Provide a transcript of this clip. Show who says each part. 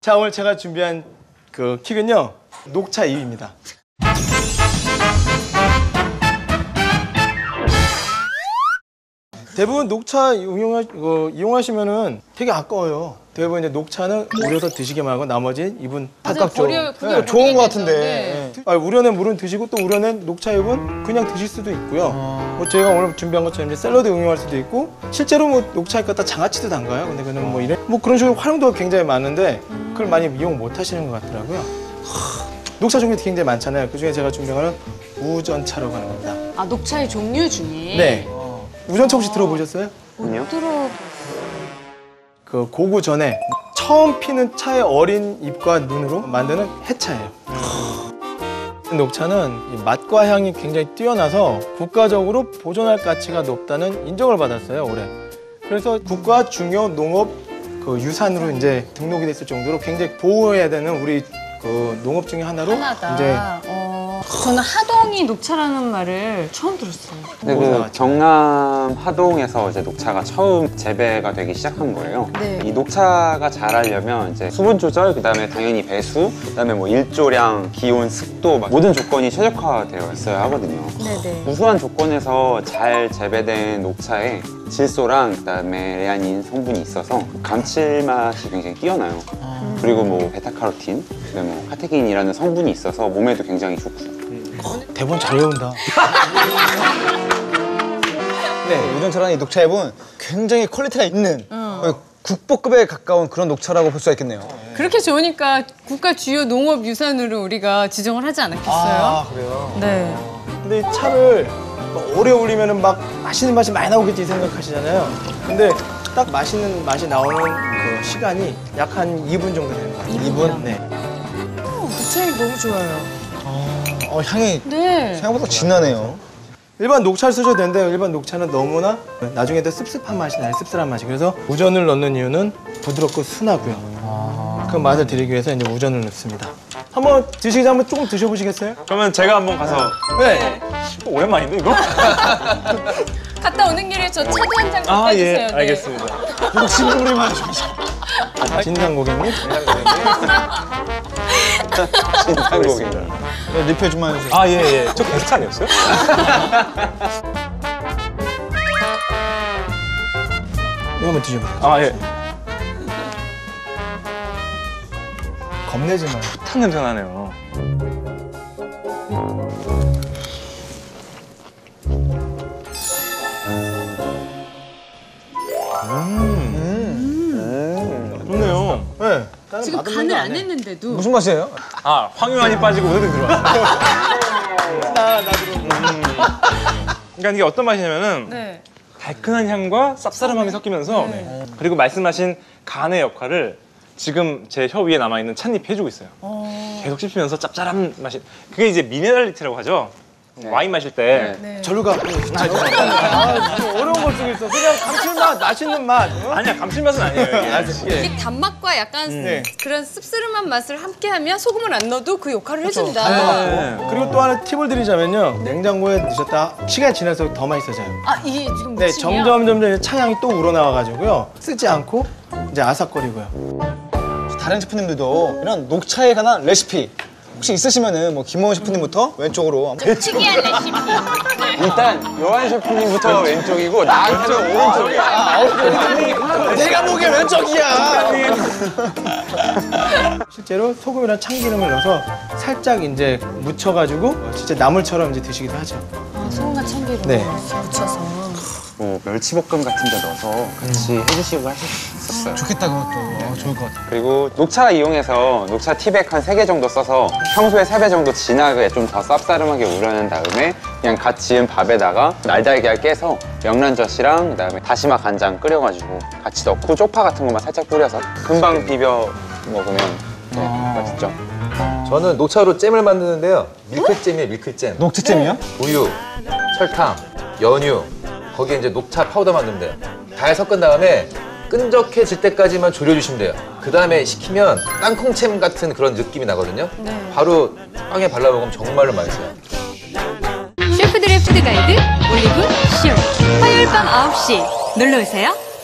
Speaker 1: 자, 오늘 제가 준비한 그 킥은요, 녹차 이유입니다. 대부분 녹차 이용하시면은 되게 아까워요. 대부분 이제 녹차는 우려서 드시기만 하고 나머지 잎은 닭각죠.
Speaker 2: 네, 좋은 것 같은데.
Speaker 1: 네. 우려낸 물은 드시고 또 우려낸 녹차 잎은 그냥 드실 수도 있고요. 뭐 저희가 오늘 준비한 것처럼 이제 샐러드 응용할 수도 있고, 실제로 뭐 녹차 잎 갖다 장아찌도 담가요. 근데 그는 뭐 이런 뭐 그런 식으로 활용도가 굉장히 많은데 그걸 많이 이용 못 하시는 것 같더라고요. 녹차 종류 굉장히 많잖아요. 그 중에 제가 준비한 거는 우전차라고 하는 겁니다.
Speaker 3: 아, 녹차의 종류 중에?
Speaker 1: 네. 우전차 혹시 들어보셨어요?
Speaker 3: 아니요.
Speaker 1: 그 고구 전에 처음 피는 차의 어린 잎과 눈으로 만드는 해차예요. 녹차는 이 맛과 향이 굉장히 뛰어나서 국가적으로 보존할 가치가 높다는 인정을 받았어요, 올해. 그래서 국가 중요 농업 그 유산으로 이제 등록이 됐을 정도로 굉장히 보호해야 되는 우리 그 농업 중에 하나로 이제
Speaker 3: 저는 하동이 녹차라는 말을 처음 들었어요.
Speaker 4: 근데 그 경남 하동에서 이제 녹차가 처음 재배가 되기 시작한 거예요.
Speaker 3: 네.
Speaker 4: 이 녹차가 자라려면 이제 수분 조절, 그다음에 당연히 배수, 그다음에 뭐 일조량, 기온, 습도 막 모든 조건이 최적화되어 있어야 하거든요.
Speaker 3: 네네.
Speaker 4: 우수한 조건에서 잘 재배된 녹차에 질소랑 그다음에 레아닌 성분이 있어서 감칠맛이 굉장히 뛰어나요. 그리고 뭐 베타카로틴, 그다음에 뭐 카테킨이라는 성분이 있어서 몸에도 굉장히 좋고요.
Speaker 1: 대본 잘 외운다.
Speaker 2: 네, 우전차라는 이 녹차잎은 굉장히 퀄리티가 있는 국보급에 가까운 그런 녹차라고 볼 수가 있겠네요.
Speaker 3: 그렇게 좋으니까 국가 주요 농업 유산으로 우리가 지정을 하지 않았겠어요?
Speaker 2: 아, 그래요?
Speaker 3: 네.
Speaker 1: 근데 이 차를 오래 올리면은 막 맛있는 맛이 많이 나오겠지 생각하시잖아요. 근데 딱 맛있는 맛이 나오는 그 시간이 약 한 2분 정도 되는 것 같아요. 2분? 네.
Speaker 3: 녹차잎 너무 좋아요.
Speaker 2: 향이
Speaker 3: 네.
Speaker 2: 생각보다 진하네요.
Speaker 1: 일반 녹차를 쓰셔도 되는데 일반 녹차는 너무나 나중에도 씁쓸한 맛이 나요. 씁쓸한 맛이. 그래서 우전을 넣는 이유는 부드럽고 순하고요. 그 맛을 드리기 위해서 이제 우전을 넣습니다. 한번 드시기 전에 한번 조금 드셔보시겠어요?
Speaker 5: 그러면 제가 한번 가서.
Speaker 1: 네.
Speaker 5: 오랜만인데 이거?
Speaker 3: 갔다 오는 길에 저 차도 한 잔 갖다 주세요.
Speaker 5: 예, 알겠습니다.
Speaker 2: 욕심부리만 하죠.
Speaker 1: 진상 고객님.
Speaker 4: 진상 고객.
Speaker 2: 네, 리필 좀만 해주세요.
Speaker 5: 아, 예. 저 게스트 아니었어요?
Speaker 1: 이거 한번 드셔보세요.
Speaker 5: 아, 예.
Speaker 1: 겁내지 마요.
Speaker 5: 탄 냄새 나네요. 좋네요.
Speaker 1: 네.
Speaker 3: 지금 간을 안 했는데도.
Speaker 2: 무슨 맛이에요?
Speaker 5: 아, 황유한이 빠지고 우드등 들어왔어요. 그러니까 이게 어떤 맛이냐면은
Speaker 3: 네.
Speaker 5: 달큰한 향과 쌉싸름함이 섞이면서 그리고 말씀하신 간의 역할을 지금 제 혀 위에 남아있는 찻잎이 해주고 있어요. 계속 씹히면서 짭짤한 맛이. 그게 이제 미네랄리티라고 하죠. 와인 마실 때.
Speaker 3: 네.
Speaker 1: 절로 가. 어려운 걸 쓰고 있어. 그냥 감칠맛, 맛있는 맛.
Speaker 5: 아니야, 감칠맛은 아니에요. 이게.
Speaker 3: 이게 단맛과 약간 그런 씁쓸한 맛을 함께하면 소금을 안 넣어도 그 역할을 해준다.
Speaker 5: 네.
Speaker 1: 그리고 또 하나 팁을 드리자면요. 냉장고에 넣으셨다 시간이 지나서 더 맛있어져요.
Speaker 3: 아, 이게 지금
Speaker 1: 네,
Speaker 3: 무침이요?
Speaker 1: 점점 차향이 또 우러나와가지고요. 쓰지 않고 이제 아삭거리고요.
Speaker 2: 다른 셰프님들도 이런 녹차에 관한 레시피 혹시 있으시면은 뭐 김호원 셰프님부터 왼쪽으로
Speaker 3: 특이한 레시피.
Speaker 4: 일단 요한 셰프님부터 왼쪽이고 나한테는 오른쪽이야.
Speaker 2: 내가 보기엔 왼쪽이야.
Speaker 1: 실제로 소금이랑 참기름을 넣어서 살짝 이제 묻혀가지고 진짜 나물처럼 이제 드시기도 하죠.
Speaker 3: 소금과 참기름
Speaker 1: 네.
Speaker 3: 묻혀서.
Speaker 4: 뭐 멸치볶음 같은 데 넣어서 같이 해주시고 하실 수 있었어요.
Speaker 2: 좋겠다 그것도. 좋을 것 같아.
Speaker 4: 그리고 녹차 이용해서 녹차 티백 한 3개 정도 써서 평소에 3배 정도 진하게 좀 더 쌉싸름하게 우려낸 다음에 그냥 갓 지은 밥에다가 날달걀 깨서 명란젓이랑 그다음에 다시마 간장 끓여가지고 같이 넣고 쪽파 같은 것만 살짝 뿌려서 금방 비벼 먹으면 맛있죠.
Speaker 6: 저는 녹차로 잼을 만드는데요. 밀크잼이에요, 밀크잼.
Speaker 2: 녹차잼이요?
Speaker 6: 우유, 설탕, 연유, 거기에 이제 녹차 파우더 만들면 돼요. 잘 섞은 다음에 끈적해질 때까지만 졸여주시면 돼요. 그 다음에 식히면 땅콩잼 같은 그런 느낌이 나거든요. 바로 빵에 발라 먹으면 정말로 맛있어요.
Speaker 7: 셰프들의 푸드 가이드 올리브 쇼 화요일 밤 9시 놀러오세요.